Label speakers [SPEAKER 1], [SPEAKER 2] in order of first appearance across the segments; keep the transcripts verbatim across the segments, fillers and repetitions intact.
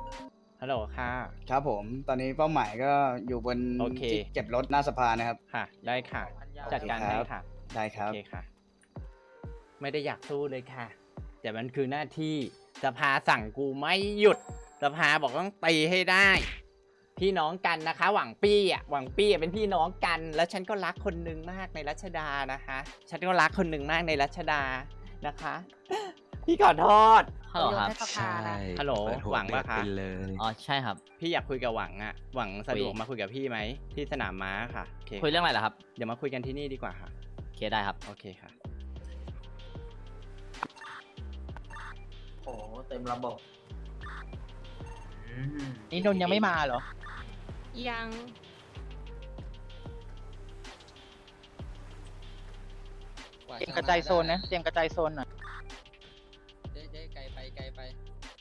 [SPEAKER 1] ฮัลโหลค่ะ
[SPEAKER 2] ครับผมตอนนี้เป้าหมายก็อยู่บน
[SPEAKER 1] โอเค
[SPEAKER 2] ที่เก็บรถหน้าสภานะครับ
[SPEAKER 1] ค่ะ ได้ค่ะ จัดการให้ค่ะ
[SPEAKER 2] ได้ค
[SPEAKER 1] โอ
[SPEAKER 2] รับ
[SPEAKER 1] เคค่ะ ไม่ได้อยากสู้เลยค่ะ แต่มันคือหน้าที่สภาสั่งกูไม่หยุดสภาบอกต้องตีให้ได้ พี่น้องกันนะคะ หวังปี้อ่ะหวังปี้เป็นพี่น้องกัน แล้วฉันก็รักคนหนึ่งมากในรัชดานะคะ ฉันก็รักคนหนึ่งมากในรัชดานะคะ พี่ขอโทษ
[SPEAKER 3] ฮัลโหลครับ
[SPEAKER 4] ใช่
[SPEAKER 1] ฮัลโหล
[SPEAKER 5] เปิดหัว
[SPEAKER 1] หวังปะคะ
[SPEAKER 5] เปิดเลย
[SPEAKER 3] อ๋อใช่ครับ
[SPEAKER 1] พี่อยากคุยกับหวังอะหวังสะดวก
[SPEAKER 3] คุย
[SPEAKER 1] มาคุยกับพี่ไหมที่สนามม้าค่ะโอเค
[SPEAKER 3] คุยเรื่องอะไรเหรอครับ
[SPEAKER 1] เดี๋ยวมาคุยกันที่นี่ดีกว่าค่ะ
[SPEAKER 3] โอเคได้ครับ
[SPEAKER 1] โอเคค่ะ
[SPEAKER 4] โอ้เต็มระบบ
[SPEAKER 6] นี่นนท์ยังไม่มาเหรอ
[SPEAKER 7] ยัง
[SPEAKER 6] เตรียมกระจายโซนนะ เตรียมกระจายโซนหน่อย
[SPEAKER 4] เจ๊เจ๊ไกลไปไกลไป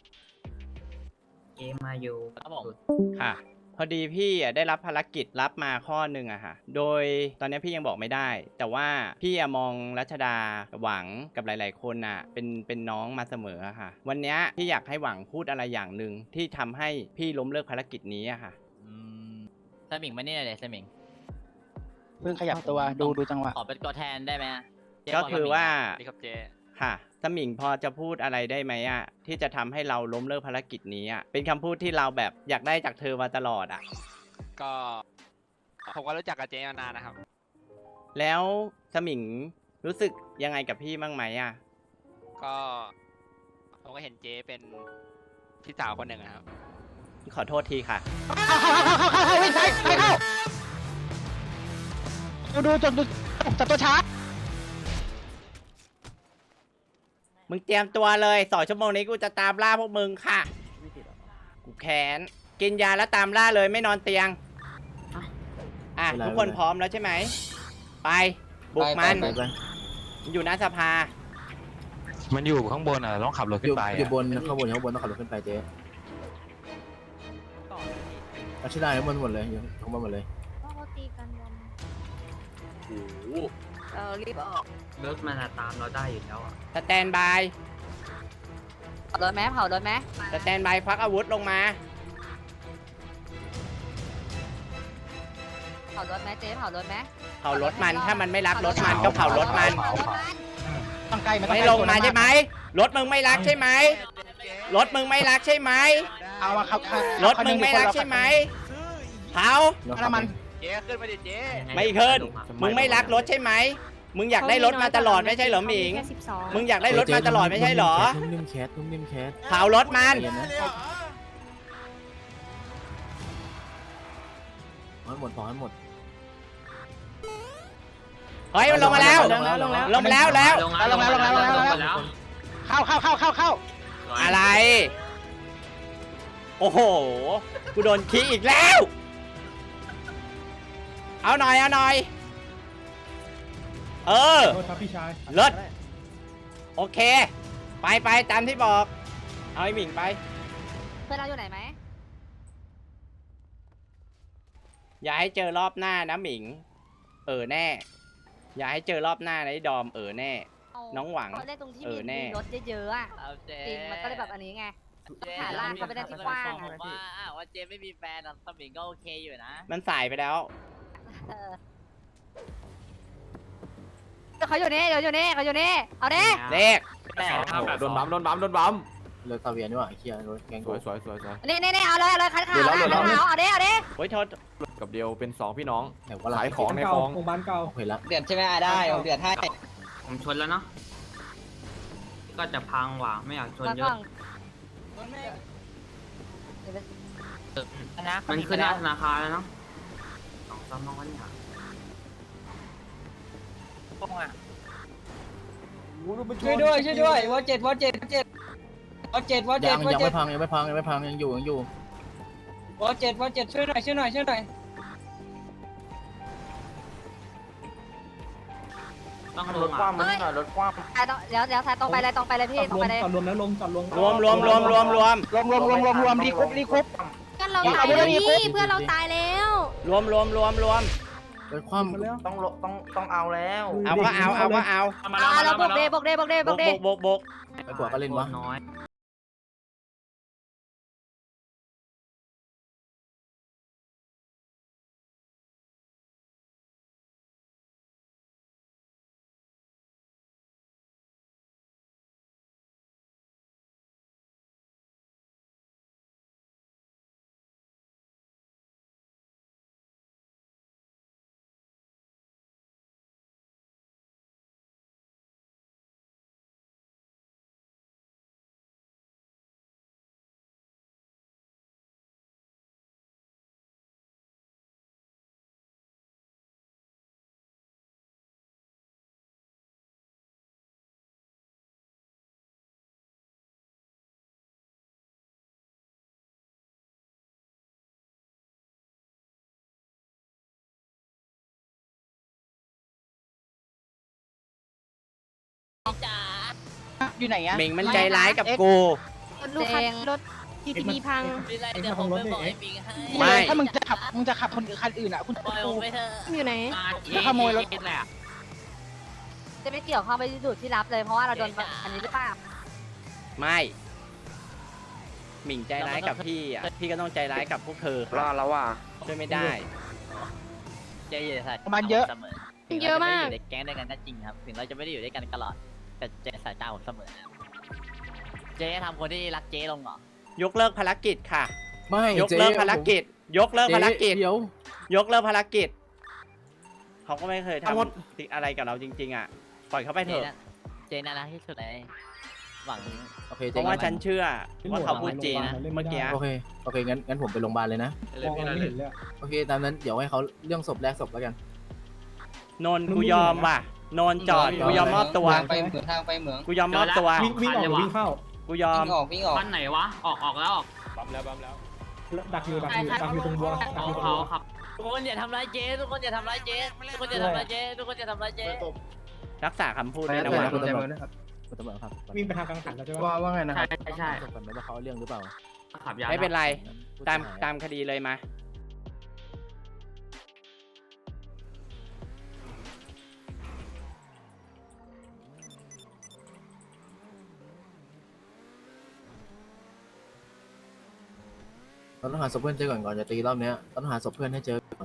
[SPEAKER 4] เกมมาอยู่
[SPEAKER 3] ครับผม
[SPEAKER 1] ค่ะ พอดีพี่อะได้รับภารกิจรับมาข้อหนึ่งอะค่ะ โดยตอนนี้พี่ยังบอกไม่ได้ แต่ว่าพี่อะมองรัชดากับหวังกับหลาย ๆ คนอะเป็นเป็นน้องมาเสมออะค่ะ วันนี้พี่อยากให้หวังพูดอะไรอย่างหนึ่งที่ทำให้พี่ล้มเลิกภารกิจนี้อะค่ะ
[SPEAKER 3] อืมสมิงมานี่หน่อยเลยสมิง
[SPEAKER 6] เพิ่งขยับตัวดูดูจังหวะ
[SPEAKER 3] ขอเป็นตัวแทนได้ไหมเจ๊
[SPEAKER 1] ก็
[SPEAKER 3] บล
[SPEAKER 1] คือว่า
[SPEAKER 3] นี่ครับเจ๊
[SPEAKER 1] ค่ะสมิงพอจะพูดอะไรได้ไหมอะที่จะทำให้เราล้มเลิกภารกิจนี้อะเป็นคำพูดที่เราแบบอยากได้จากเธอมาตลอดอะ
[SPEAKER 5] ก็ผมก็รู้จักกับเจ๊มานานนะครับ
[SPEAKER 1] แล้วสมิงรู้สึกยังไงกับพี่บ้างไหมอะ
[SPEAKER 5] ก็ผมก็เห็นเจ๊เป็นพี่สาวคนหนึ่งอะครับ
[SPEAKER 1] ขอโทษทีค่ะ
[SPEAKER 6] เข้าเข้าเข้าเข้าเข้าเข้าวิ่งไปไปเข้าดูดูจนดูจับตัวช้า
[SPEAKER 1] มึงเตรียมตัวเลยสองชั่วโมงนี้กูจะตามล่าพวกมึงค่ะ กูแค้น กินยาแล้วตามล่าเลยไม่นอนเตียง อ่ะ ทุกคนพร้อมแล้วใช่ไหม ไป บุกมัน อยู่หน้าสภา
[SPEAKER 5] มันอยู่ข้างบนอ่ะต้องขับรถขึ้นไป
[SPEAKER 8] อยู่บนข้างบนข้างบนต้องขับรถขึ้นไปเจ๊รัชดาข้างบนหมดเลยอยู่ข้างบนหมดเลย
[SPEAKER 7] ว่าเขาตีกันวัน
[SPEAKER 4] เออรีบออกรถมันอะตามเราได้อยู่แล้วอ่ะ
[SPEAKER 1] สแตนบาย
[SPEAKER 4] เผารถไหมเผารถไหม
[SPEAKER 1] สแตนบายควักอาวุธลงมา
[SPEAKER 4] เผารถไหมเจ๊เผารถไหม
[SPEAKER 1] เผารถมัน ถ้ามันไม่รักรถมันก็เผารถมัน
[SPEAKER 6] ต้องใกล้มันต้อง
[SPEAKER 1] ไม่
[SPEAKER 6] ใก
[SPEAKER 1] ลงมาใช่ไหม รถมึงไม่รักใช่ไหม รถมึงไม่รักใช่ไหม
[SPEAKER 6] เอามาครับ
[SPEAKER 1] รถมึงไม่รักใช่ไหมเผา
[SPEAKER 6] น้ำมัน
[SPEAKER 5] เจ๊ขึ้นมาดิเจ๊
[SPEAKER 1] ไม่ขึ้น มึงไม่รักรถใช่ไหม มึงอยากได้รถมาตลอดไม่ใช่เหรอหมิง
[SPEAKER 7] แค่สิบสอง
[SPEAKER 1] มึงอยากได้รถมาตลอดไม่ใช่เหรอ
[SPEAKER 8] นุ่มนิ่มแคสนุ่มนิ่มแคส
[SPEAKER 1] เผารถมัน
[SPEAKER 8] ใจเย็นนะพอให้หมดพอให้หมด
[SPEAKER 1] เฮ้ยมันลงมาแล้ว
[SPEAKER 6] ลงแล้วลงแล้ว
[SPEAKER 1] ลงมาแล้วแล้ว
[SPEAKER 6] ลงแล้วลงแล้วลงแล้วลงแล้วลงแล้วเข้าเข้าเข้าเข้าเข้า
[SPEAKER 1] อะไร โอ้โห กูโดนขี้อีกแล้ว เอาหน่อยเอาหน่อย เออเลิศโอเค ไปไปตามที่บอก เอาไอ้หมิงไป
[SPEAKER 4] เพื่อนเราอยู่ไหนไหม
[SPEAKER 1] อย่าให้เจอรอบหน้านะหมิง เออแน่ อย่าให้เจอรอบหน้านะไอ้ดอมเออแน่ น้องหวัง
[SPEAKER 4] เขาเล่นตรงที่
[SPEAKER 1] เอ
[SPEAKER 4] มี
[SPEAKER 1] อแน่
[SPEAKER 4] มีรถเยอะๆอ่ะ
[SPEAKER 3] เอาเจ๊
[SPEAKER 4] จริงมันก็เลยแบบอันนี้ไง
[SPEAKER 3] เจ๊
[SPEAKER 4] หาล่างเข้าไปได้ที่กว้าง
[SPEAKER 3] ผ
[SPEAKER 4] อะ
[SPEAKER 3] มว่าอ่ะว่าเจ๊ไม่มีแฟนอะสมิงก็โอเคอยู่นะ
[SPEAKER 1] มันสายไปแล้ว
[SPEAKER 4] เออเขาอยู่นี่เขาอยู่นี่เขาอยู่นี่เอาดิ
[SPEAKER 1] เลข
[SPEAKER 5] โดนบัมโดนบัมโดนบัม
[SPEAKER 8] รถซาเวียนี่หว่าไอ้เคียรถแกง
[SPEAKER 5] ส
[SPEAKER 8] กู
[SPEAKER 5] วยสวยสวยสวย
[SPEAKER 4] นี่นี่นี่เอาเลยเอาเลยคันขาว
[SPEAKER 8] เดี๋ยวเรา
[SPEAKER 4] คัน
[SPEAKER 8] เดี๋ยวเรา
[SPEAKER 4] ขาวเอาดิเอาดิ
[SPEAKER 1] โอ้ยโทษ
[SPEAKER 5] กับเดียวเป็นสองพี่น้อง
[SPEAKER 8] ไหนว่าเรา
[SPEAKER 5] ขายของในคลอง
[SPEAKER 8] เห็นแล้ว
[SPEAKER 6] เดือดใช่ไหมได้ผมเดือดให้
[SPEAKER 9] ผมชนแล้วเนาะ ก็จะพังว่ะไม่อยากชน
[SPEAKER 4] ก่อน
[SPEAKER 9] เย
[SPEAKER 4] ก่อ
[SPEAKER 9] อะ
[SPEAKER 4] น
[SPEAKER 6] นะ
[SPEAKER 9] มันขึ้นหน้าธนาคารแล้วเนาะสองซ้ำน้องวันเนี่ย
[SPEAKER 6] ช่วยด้วยช่วยด้วยวอเจ็ดวอเจ็ดวอเจ็ดวอเจ็ดวอเจ็
[SPEAKER 8] ยั
[SPEAKER 6] ด
[SPEAKER 8] ง
[SPEAKER 6] วอ
[SPEAKER 8] ยัง
[SPEAKER 6] เจ็
[SPEAKER 8] ไม่
[SPEAKER 6] ด
[SPEAKER 8] พังยังไม่พังยังไม่พังยังอยู่ยังอยู่
[SPEAKER 6] วอเจ็ดวอเจ็ดช่วยหน่อยช่วยหน่อยช่วยหน่อย
[SPEAKER 9] ต้องลงอ่ะ
[SPEAKER 4] เฮ้ยรถคว่ำเดี๋ยวเดี๋ยวสายตรงไปเลยตรงไปเลยพี่ตรงไปเลย
[SPEAKER 1] รวมรวมรวมรวมรวมรวม
[SPEAKER 6] รวมรวมรวมรวมรวมรีคุปรีคุป
[SPEAKER 7] เพื่อนเรา
[SPEAKER 6] เอา
[SPEAKER 7] ตาย
[SPEAKER 6] ไปเล
[SPEAKER 7] แล้
[SPEAKER 6] ยว มี
[SPEAKER 7] พี่
[SPEAKER 6] ปุ๊บ
[SPEAKER 7] เพื่อนเราตายแล้ว
[SPEAKER 1] รวมรวมรวมรวม
[SPEAKER 8] รถคว่ำ
[SPEAKER 4] ต้องต้องต้องเอาแล้ว
[SPEAKER 1] เอาก็เอาเอาก็เอา
[SPEAKER 4] เอาเราบกเดบกเดบกเด
[SPEAKER 1] บบ ก
[SPEAKER 4] กเด
[SPEAKER 1] บกบกบก
[SPEAKER 8] ไปกว่าก็เล่นวะ
[SPEAKER 9] น้อย
[SPEAKER 6] อยู่ไหนอะ
[SPEAKER 1] หมิงมันใจร้ายกับกู
[SPEAKER 7] รถลูกคันรถ ที ที พี พัง
[SPEAKER 3] ไม่ไรเดี๋ยวผมไปบอกไอ้หมิงให้
[SPEAKER 1] ไม่
[SPEAKER 6] ถ้ามึงจะขับมึงจะขับคนคันอื่นอะคุณ
[SPEAKER 3] ปล่อยผมไปเถอะ
[SPEAKER 7] อยู่ไหน
[SPEAKER 9] อ่าเจ๊
[SPEAKER 6] จะขโมยรถ
[SPEAKER 9] เจ๊แหละ
[SPEAKER 7] จะไม่เกี่ยวข้องไปที่จุดที่รับเลยเพราะว่าเราโดนอันนี้หรือเปล่า
[SPEAKER 1] ไม่หมิงใจร้ายกับพี่อ่ะพี่ก็ต้องใจร้ายกับพวกเธอ
[SPEAKER 4] รอ
[SPEAKER 1] ค่ะ
[SPEAKER 4] แล้วว่ะ
[SPEAKER 1] ช่วยไม่ได้
[SPEAKER 3] เจ๊อย่าใส่
[SPEAKER 6] ประมาณเยอะ
[SPEAKER 3] เสมอถึง
[SPEAKER 7] เยอะมาก
[SPEAKER 3] รจะไได้อยู่ในแก๊งด้วยกันก็จริงครับ ถึงเราจะไม่ได้อยู่ด้วยกันตลอด แต่เจ๊ใส่ตาผมเสมอนะครับเจ๊ทำคนที่รักเจ๊ลงเหรอ
[SPEAKER 1] ยกเลิกภารกิจค่ะ
[SPEAKER 8] ไม่
[SPEAKER 1] ยกเลิกภารกิจ ยกเลิก
[SPEAKER 8] เจ๊
[SPEAKER 1] ภารกิจ
[SPEAKER 8] เดี๋ยวย
[SPEAKER 1] กเลิกภารกิจเขาก็ไม่เคยทำอะไรกับเราจริง ๆ อ่ะ ปล่อยเขาไปเถ
[SPEAKER 3] เจ๊
[SPEAKER 1] อะ
[SPEAKER 3] น่ะเจ๊น่ารักที่สุดเลยหวัง
[SPEAKER 8] โอเค
[SPEAKER 1] เพ
[SPEAKER 8] เจ๊
[SPEAKER 1] ราะว่าฉันเชื่อว่าเขาพูดจริง
[SPEAKER 3] นะ
[SPEAKER 1] เมื่อกี้
[SPEAKER 8] โอเคโอเคงั้นงั้นผมไปโรงพยาบาลเลยนะ
[SPEAKER 4] เลยพี่เลย
[SPEAKER 8] โอเคตามนั้นเดี๋ยวให้เขาเรื่องศพแรกศพแล้วกัน
[SPEAKER 1] นนท์กูยอมว่ะนนท์จอดกูยอมมอบตัว
[SPEAKER 6] ไปเหมืองทางไปเหมือง
[SPEAKER 1] กูยอมมอบตัว
[SPEAKER 9] วิ่งวิ่งออกวิ่งเข้า
[SPEAKER 1] กูยอม
[SPEAKER 6] วิ่งออกวิ่งออก
[SPEAKER 9] บ้านไหนวะ ออกออกแล้วออก
[SPEAKER 5] บัมแล้วบัมแล้ว
[SPEAKER 9] ดักอยู่ดักอยู่ดักอยู่ตรงบัวของเขาครับ
[SPEAKER 3] ทุกคนอย่าทำร้ายเจ๊ทุกคนอย่าทำร้ายเจ๊ทุกคนอย่าทำร้ายเจ๊ทุกคนอย่าทำร้ายเจ๊
[SPEAKER 1] รักษาคำพูดด้วยนะ
[SPEAKER 8] ไป
[SPEAKER 1] วะ
[SPEAKER 8] นะคุณตำรวจคุณตำรวจครับ
[SPEAKER 9] วิ่งไปทางกลางหันแล้วใช่ไหม
[SPEAKER 8] ว่าว่าไงนะค
[SPEAKER 9] ใช่
[SPEAKER 8] รับ
[SPEAKER 9] ใช่ใช่
[SPEAKER 8] ศพก่อนไหมว่าเขาเอาเรื่องหรือเปล่า
[SPEAKER 9] ขับยา
[SPEAKER 1] ไม่เป็นไร
[SPEAKER 8] ผู้
[SPEAKER 1] ตาม
[SPEAKER 8] เสียหย
[SPEAKER 1] ตามคดีเลยมา
[SPEAKER 8] เราต้องหาศพเพื่อนเจอก่อนก่อนจะตีรอบเนี้ยเราต้องหาศพเพื่อนให้เจอก่อน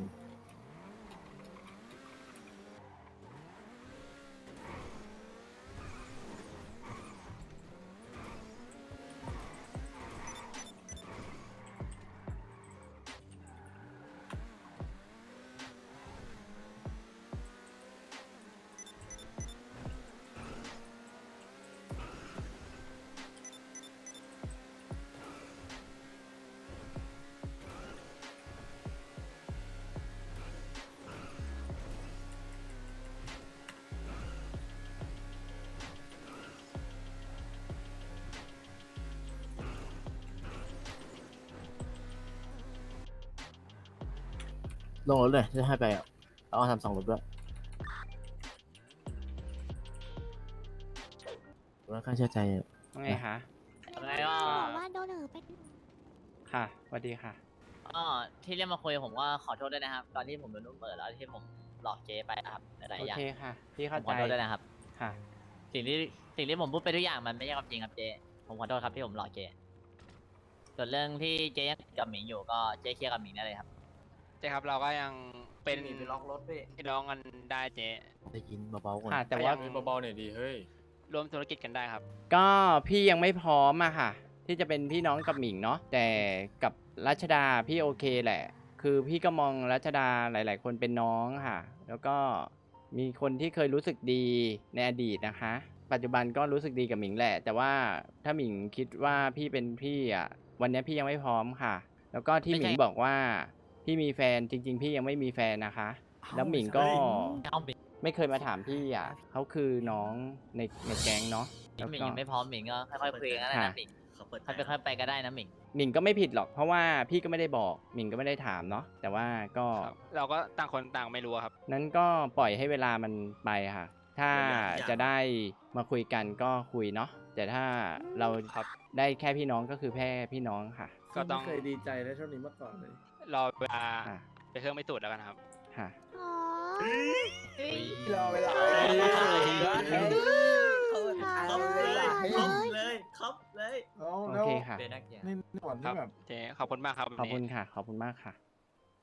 [SPEAKER 8] ลงรถเลยจะให้ไปอ่ะเอาทำสองรถด้วยแล้วค่าเชื่อใจอะ
[SPEAKER 1] ว่าไงคะ
[SPEAKER 3] อะไรก็
[SPEAKER 7] บอกว่าโดนเออไป
[SPEAKER 1] ค่ะสวัสดีค่ะ
[SPEAKER 3] ก็ที่เรียกมาคุยผมก็ขอโทษด้วยนะครับ ตอนที่ผมโดนลูกเปิดแล้วที่ผมหลอกเจ๊ไปนะครับหลาย
[SPEAKER 1] โอ
[SPEAKER 3] ๆอย่าง
[SPEAKER 1] เคค่ะ พี่
[SPEAKER 3] ผ
[SPEAKER 1] เข้าม
[SPEAKER 3] ข
[SPEAKER 1] ใจ
[SPEAKER 3] อโทษด้วยนะครับ
[SPEAKER 1] ค่ะ
[SPEAKER 3] สิ่งที่สิ่งที่ผมพูดไปทุกอย่างมันไม่ใช่ความจริงครับเจ๊ผมขอโทษครับที่ผมหลอกเจ๊ส่วนเรื่องที่เจ๊ยังกับหมิงอยู่ก็เจ๊เคลียร์กับหมิงได้เลยครับ
[SPEAKER 5] เจ๊ครับเราก็ยังเป็น
[SPEAKER 4] ไปล็อกรถพี่
[SPEAKER 5] พี่น้องกันได้เจ๊
[SPEAKER 8] ได้ยินเบาๆก่อน
[SPEAKER 1] ค่ะ แต่ว่า
[SPEAKER 5] เบาๆหน่อยดีเฮ้ยรวมธุรกิจกันได้ครับ
[SPEAKER 1] ก็พี่ยังไม่พร้อมอะค่ะ ที่จะเป็นพี่น้องกับหมิงเนาะแต่กับรัชดาพี่โอเคแหละ คือพี่ก็มองรัชดาหลาย ๆ คนเป็นน้องค่ะ แล้วก็มีคนที่เคยรู้สึกดีในอดีตนะคะ ปัจจุบันก็รู้สึกดีกับหมิงแหละ แต่ว่าถ้าหมิงคิดว่าพี่เป็นพี่อะวันนี้พี่ยังไม่พร้อมค่ะ แล้วก็ที่หมิงบอกว่าพี่มีแฟนจริง ๆ พี่ยังไม่มีแฟนนะคะ แล้วหมิงก็
[SPEAKER 3] เอาหมิง
[SPEAKER 1] ไม่เคยมาถามพี่อ่ะเขาคือน้องในในแก๊งเนาะแล้ว
[SPEAKER 3] หมิง
[SPEAKER 1] ก็
[SPEAKER 3] ยังไม่พร้อมหมิงก็ค่อยๆคุยกันนะ
[SPEAKER 1] ค่ะ
[SPEAKER 3] หมิงค่อยไปค่อยไปก็ได้นะหมิง
[SPEAKER 1] หมิงก็ไม่ผิดหรอกเพราะว่าพี่ก็ไม่ได้บอกหมิงก็ไม่ได้ถามเนาะแต่ว่าก็
[SPEAKER 5] ครับเราก็ต่างคนต่างไม่รู้อะครับ
[SPEAKER 1] นั้นก็ปล่อยให้เวลามันไปค่ะ ถ้าจะได้มาคุยกันก็คุยเนาะแต่ถ้าเรา
[SPEAKER 5] ครับ
[SPEAKER 1] ได้แค่พี่น้องก็คือแค่พี่น้องค่ะ
[SPEAKER 5] ก็ต้อง
[SPEAKER 8] เคยดีใจในช่วงนี้มาก่อนเลย
[SPEAKER 5] รอเวลา
[SPEAKER 1] ค่ะ
[SPEAKER 5] ไปเครื่องไม่ตูดแล้วกันครับ
[SPEAKER 1] ค่ะ
[SPEAKER 7] อ๋อ
[SPEAKER 8] รอเวลา
[SPEAKER 7] ครับเลย
[SPEAKER 4] ครับเลย
[SPEAKER 1] โอเคค่ะ
[SPEAKER 8] นี่หนอน
[SPEAKER 5] ครั
[SPEAKER 8] ที่
[SPEAKER 5] บ
[SPEAKER 8] แบบ
[SPEAKER 5] เจ๊ขอบคุณมากครับวัน
[SPEAKER 1] ขอบ
[SPEAKER 5] นี้
[SPEAKER 1] คุณค่ะ ขอบคุณมากค่ะ